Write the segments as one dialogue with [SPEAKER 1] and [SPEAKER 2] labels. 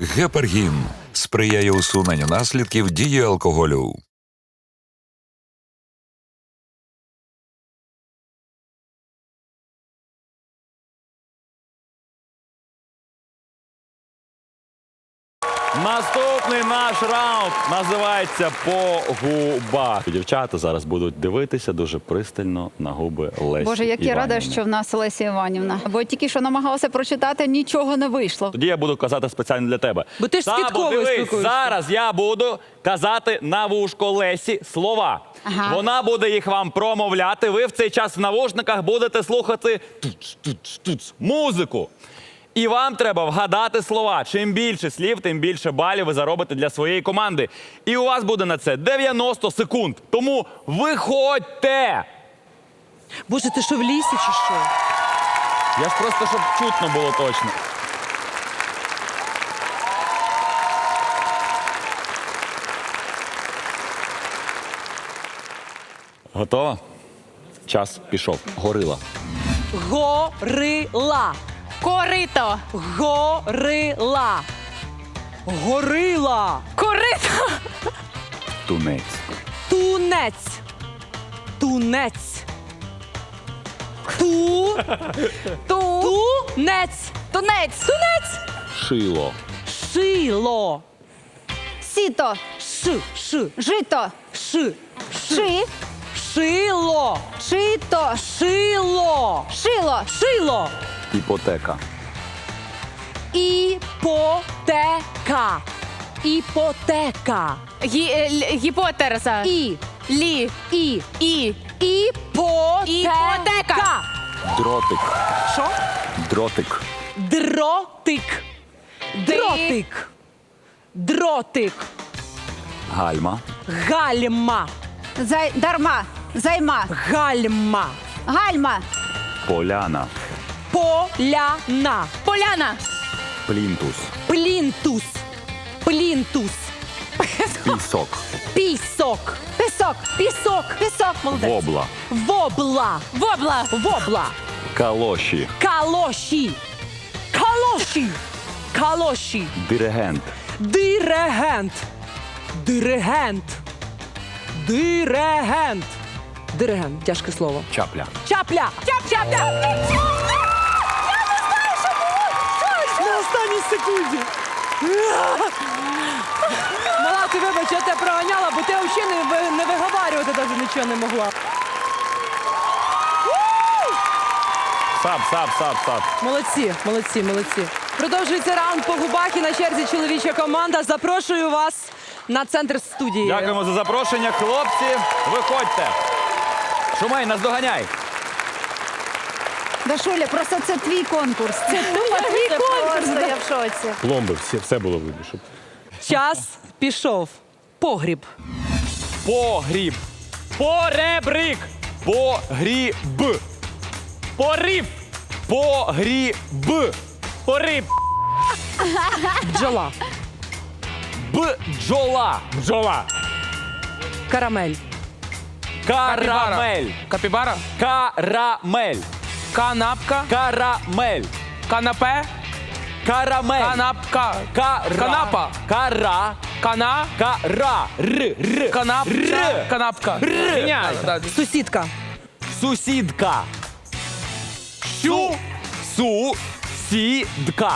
[SPEAKER 1] Гепаргін сприяє усуненню наслідків дії алкоголю.
[SPEAKER 2] Наступний наш раунд називається «По губах». Дівчата зараз будуть дивитися дуже пристально на губи Лесі
[SPEAKER 3] Боже, як я рада,
[SPEAKER 2] Іванівни.
[SPEAKER 3] що в нас Леся Іванівна. Бо тільки що намагалася прочитати, нічого не вийшло.
[SPEAKER 2] Тоді я буду казати спеціально для тебе.
[SPEAKER 4] Бо ти ж з
[SPEAKER 2] Сабо,
[SPEAKER 4] Квітковою
[SPEAKER 2] дивись,
[SPEAKER 4] спілкуєшся.
[SPEAKER 2] зараз я буду казати на вушко Лесі слова.
[SPEAKER 3] Ага.
[SPEAKER 2] Вона буде їх вам промовляти. Ви в цей час в навушниках будете слухати музику. І вам треба вгадати слова. Чим більше слів, тим більше балів ви заробите для своєї команди. І у вас буде на це 90 секунд. Тому виходьте!
[SPEAKER 4] Боже, ти що, в лісі чи що?
[SPEAKER 2] Я ж просто, щоб чутно було точно. Готова? Час пішов. Горила.
[SPEAKER 4] Горила.
[SPEAKER 5] Корито.
[SPEAKER 4] Горила. Горила.
[SPEAKER 5] Корито.
[SPEAKER 2] Тунець.
[SPEAKER 4] Тунець. Тунець. Тунець.
[SPEAKER 5] Тунець.
[SPEAKER 4] Тунець.
[SPEAKER 2] Шило.
[SPEAKER 4] Шило.
[SPEAKER 3] Сіто,
[SPEAKER 4] Ш.
[SPEAKER 3] жито,
[SPEAKER 4] Ш.
[SPEAKER 3] ши,
[SPEAKER 4] Шило.
[SPEAKER 3] шито,
[SPEAKER 4] Шило.
[SPEAKER 3] шило,
[SPEAKER 4] Шило.
[SPEAKER 2] Іпотека.
[SPEAKER 4] Іпотека. Іпотека.
[SPEAKER 5] Гіпотерса.
[SPEAKER 4] І.
[SPEAKER 5] Лі.
[SPEAKER 4] І.
[SPEAKER 5] І.
[SPEAKER 4] Іпотека.
[SPEAKER 2] Дротик.
[SPEAKER 4] Що?
[SPEAKER 2] Дротик.
[SPEAKER 4] Дротик. Дротик. Дротик.
[SPEAKER 2] Гальма.
[SPEAKER 4] Гальма.
[SPEAKER 3] дарма, займа,
[SPEAKER 4] Гальма.
[SPEAKER 3] гальма,
[SPEAKER 2] Поляна.
[SPEAKER 4] Поляна.
[SPEAKER 5] Поляна.
[SPEAKER 2] Плінтус.
[SPEAKER 4] Плінтус. Плінтус.
[SPEAKER 2] Пісок.
[SPEAKER 4] Пісок.
[SPEAKER 3] пісок,
[SPEAKER 4] Пісок.
[SPEAKER 3] пісок,
[SPEAKER 4] Молодець.
[SPEAKER 2] Вобла.
[SPEAKER 4] Вобла.
[SPEAKER 5] Вобла.
[SPEAKER 4] Вобла.
[SPEAKER 2] Калоші.
[SPEAKER 4] Калоші. Калоші. Калоші.
[SPEAKER 2] Диригент.
[SPEAKER 4] Диригент. Диригент. Диригент. Диригент. Тяжке слово.
[SPEAKER 2] Чапля.
[SPEAKER 4] Чапля. Чапля. На останній секунді. Мала, ти вибач, я тебе проганяла, бо ти взагалі не виговарювати навіть нічого не могла.
[SPEAKER 2] Сап.
[SPEAKER 4] Молодці, молодці, молодці. Продовжується раунд по губах і на черзі чоловіча команда. Запрошую вас на центр студії.
[SPEAKER 2] Дякуємо за запрошення, хлопці. Виходьте. Шумей, наздоганяй.
[SPEAKER 3] Дашуля, просто це твій конкурс. Це твій конкурс.
[SPEAKER 5] Я в шоці.
[SPEAKER 6] Пломби, все було видно. Щоб...
[SPEAKER 4] Час пішов. Погріб.
[SPEAKER 2] Погріб. Поребрик. Погріб. Порив. Погріб. Пориб.
[SPEAKER 4] Бджола.
[SPEAKER 2] Бджола.
[SPEAKER 6] Бджола.
[SPEAKER 4] Карамель.
[SPEAKER 2] Карамель.
[SPEAKER 7] Капібара,
[SPEAKER 2] Карамель.
[SPEAKER 7] канапка,
[SPEAKER 2] Карамель.
[SPEAKER 7] канапе,
[SPEAKER 2] Карамель.
[SPEAKER 7] канапка,
[SPEAKER 2] Кара.
[SPEAKER 7] канапа,
[SPEAKER 2] Кара.
[SPEAKER 7] кана,
[SPEAKER 2] Кара. Р.
[SPEAKER 7] канапча, канапка. Міняй.
[SPEAKER 4] Сусідка.
[SPEAKER 2] Сусідка. Сусідка.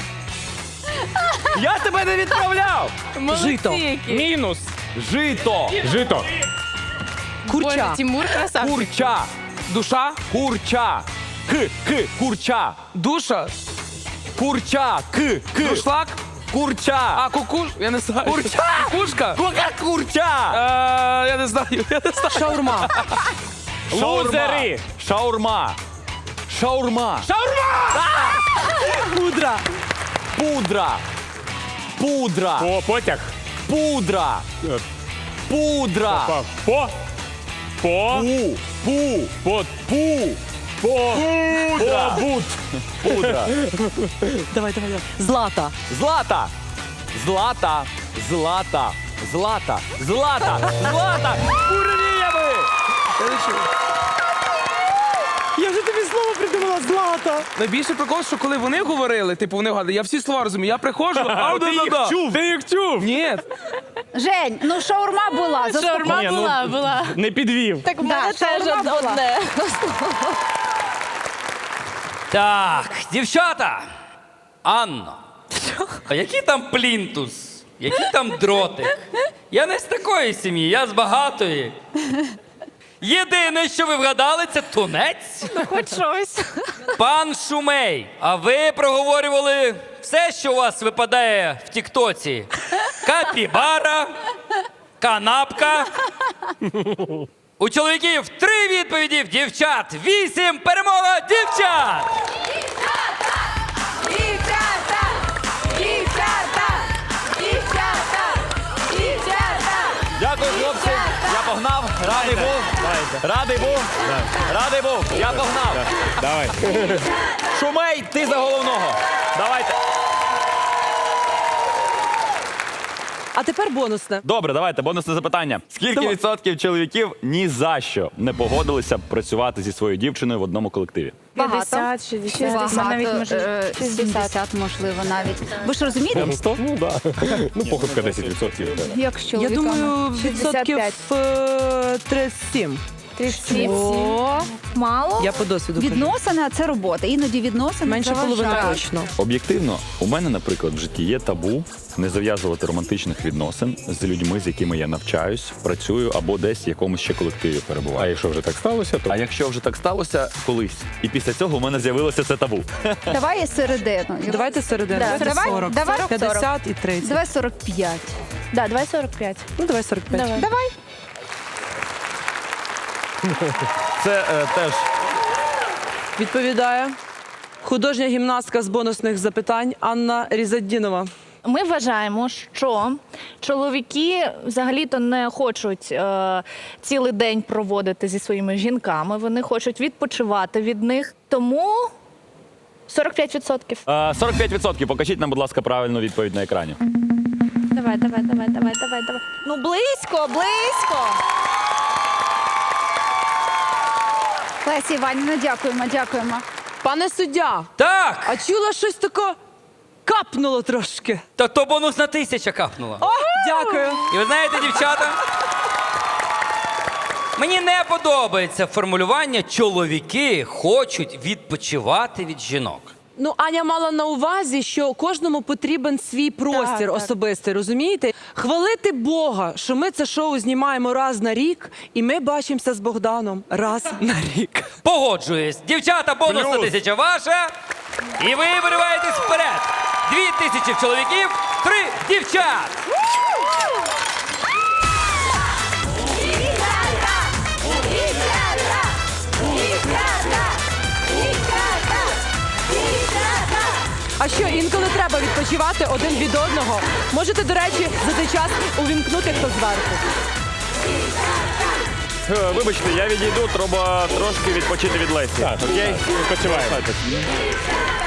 [SPEAKER 2] Я тебе не відправляв.
[SPEAKER 4] Жито.
[SPEAKER 7] Мінус.
[SPEAKER 2] Жито.
[SPEAKER 6] Жито.
[SPEAKER 4] Курча.
[SPEAKER 5] Боже, Тимур красавчик.
[SPEAKER 2] Курча.
[SPEAKER 7] Душа,
[SPEAKER 2] Курча. Курча.
[SPEAKER 7] душа,
[SPEAKER 2] Курча.
[SPEAKER 7] душлак,
[SPEAKER 2] Курча.
[SPEAKER 7] а кукуш, я не знаю.
[SPEAKER 2] Курча.
[SPEAKER 7] Кукушка.
[SPEAKER 2] Курча.
[SPEAKER 7] Я не знаю.
[SPEAKER 4] Шаурма.
[SPEAKER 2] Лузери. Шаурма. Шаурма.
[SPEAKER 4] Пудра.
[SPEAKER 2] Пудра. Пудра.
[SPEAKER 6] Потяг.
[SPEAKER 2] Пудра. Пудра.
[SPEAKER 6] По.
[SPEAKER 2] Пудра. Пудра.
[SPEAKER 4] Давай. Злата.
[SPEAKER 2] Злата. Злата. Курнієви.
[SPEAKER 4] Я вже тобі слово придумала, Злата.
[SPEAKER 7] Найбільше прикол, що коли вони говорили, типу вони вгадали, я всі слова розумію. Я приходжу,
[SPEAKER 6] Ти їх чув? Ти їх чув?
[SPEAKER 7] Ні,
[SPEAKER 3] Жень, ну шаурма була.
[SPEAKER 5] Шаурма
[SPEAKER 6] Ні, ну,
[SPEAKER 5] була.
[SPEAKER 6] Не підвів.
[SPEAKER 5] Так в
[SPEAKER 3] Да,
[SPEAKER 5] мене теж
[SPEAKER 3] шаурма була.
[SPEAKER 5] одне.
[SPEAKER 8] Так, дівчата. Анно, а який там плінтус? Який там дротик? Я не з такої сім'ї, я з багатої. Єдине, що ви вгадали, це тунець.
[SPEAKER 5] Хоч щось.
[SPEAKER 8] Пан Шумей, а ви проговорювали все, що у вас випадає в Тіктоці. Капібара, канапка. У чоловіків 3 відповіді, в дівчат 8. Перемога дівчат!
[SPEAKER 2] Дякую, хлопці. Я погнав. Радий був. Радий був. Радий був. Я погнав.
[SPEAKER 6] Давай.
[SPEAKER 2] Шумей, ти за головного. Давайте.
[SPEAKER 4] А тепер бонусне.
[SPEAKER 2] Добре, давайте, бонусне запитання. Скільки відсотків чоловіків ні за що не погодилися б працювати зі своєю дівчиною в одному колективі?
[SPEAKER 5] 50, 60, навіть може 60.
[SPEAKER 3] 70, можливо, навіть. Ви ж розумієте,
[SPEAKER 6] Там 100? Ну, да. Ну, похибка 10%. Да.
[SPEAKER 3] як з
[SPEAKER 4] Я
[SPEAKER 3] чоловіками?
[SPEAKER 4] думаю, відсотків 37.
[SPEAKER 5] 37.
[SPEAKER 4] О,
[SPEAKER 5] Мало?
[SPEAKER 4] я по досвіду кажу.
[SPEAKER 3] Відносини – це робота. Іноді відносини
[SPEAKER 4] Менше половини
[SPEAKER 3] заважають.
[SPEAKER 4] точно.
[SPEAKER 2] Об'єктивно, у мене, наприклад, в житті є табу не зав'язувати романтичних відносин з людьми, з якими я навчаюсь, працюю або десь в якомусь ще колективі
[SPEAKER 6] А
[SPEAKER 2] перебуваю.
[SPEAKER 6] якщо вже так сталося, то
[SPEAKER 2] А якщо вже так сталося колись, і після цього у мене з'явилося це табу.
[SPEAKER 3] Давай і середину.
[SPEAKER 4] Давайте середину.
[SPEAKER 3] Да,
[SPEAKER 4] Давайте
[SPEAKER 3] давай,
[SPEAKER 4] 40.
[SPEAKER 3] давай
[SPEAKER 4] 50 і 30.
[SPEAKER 3] Давай 45.
[SPEAKER 5] Да, давай 45.
[SPEAKER 4] Ну, давай 45.
[SPEAKER 5] Давай.
[SPEAKER 3] Давай.
[SPEAKER 2] Це теж
[SPEAKER 4] Відповідає художня гімнастка з бонусних запитань Анна Різаддінова.
[SPEAKER 5] Ми вважаємо, що чоловіки взагалі-то не хочуть цілий день проводити зі своїми жінками. Вони хочуть відпочивати від них. Тому 45%.
[SPEAKER 2] 45%. Покажіть нам, будь ласка, правильну відповідь на екрані.
[SPEAKER 5] Давай. Ну, близько.
[SPEAKER 3] Лесі Іванівна, дякуємо.
[SPEAKER 4] Пане суддя,
[SPEAKER 8] Так,
[SPEAKER 4] а чула щось таке капнуло трошки.
[SPEAKER 8] та то бонусна 1000 капнула.
[SPEAKER 4] О, дякую.
[SPEAKER 8] І ви знаєте, дівчата, мені не подобається формулювання «чоловіки хочуть відпочивати від жінок».
[SPEAKER 4] Ну, Аня мала на увазі, що кожному потрібен свій простір особистий, розумієте? Хвалити Бога, що ми це шоу знімаємо раз на рік, і ми бачимося з Богданом раз на рік.
[SPEAKER 8] Погоджуюсь. Дівчата, бонусна 1000 ваша. І ви вириваєтесь вперед. 2000 в чоловіків, 3 дівчат.
[SPEAKER 4] А що, інколи треба відпочивати один від одного? Можете, до речі, за цей час увімкнути хто зверху.
[SPEAKER 2] Вибачте, я відійду, треба трошки відпочити від Лесі.
[SPEAKER 6] так,
[SPEAKER 2] Окей?
[SPEAKER 6] відпочиваємо.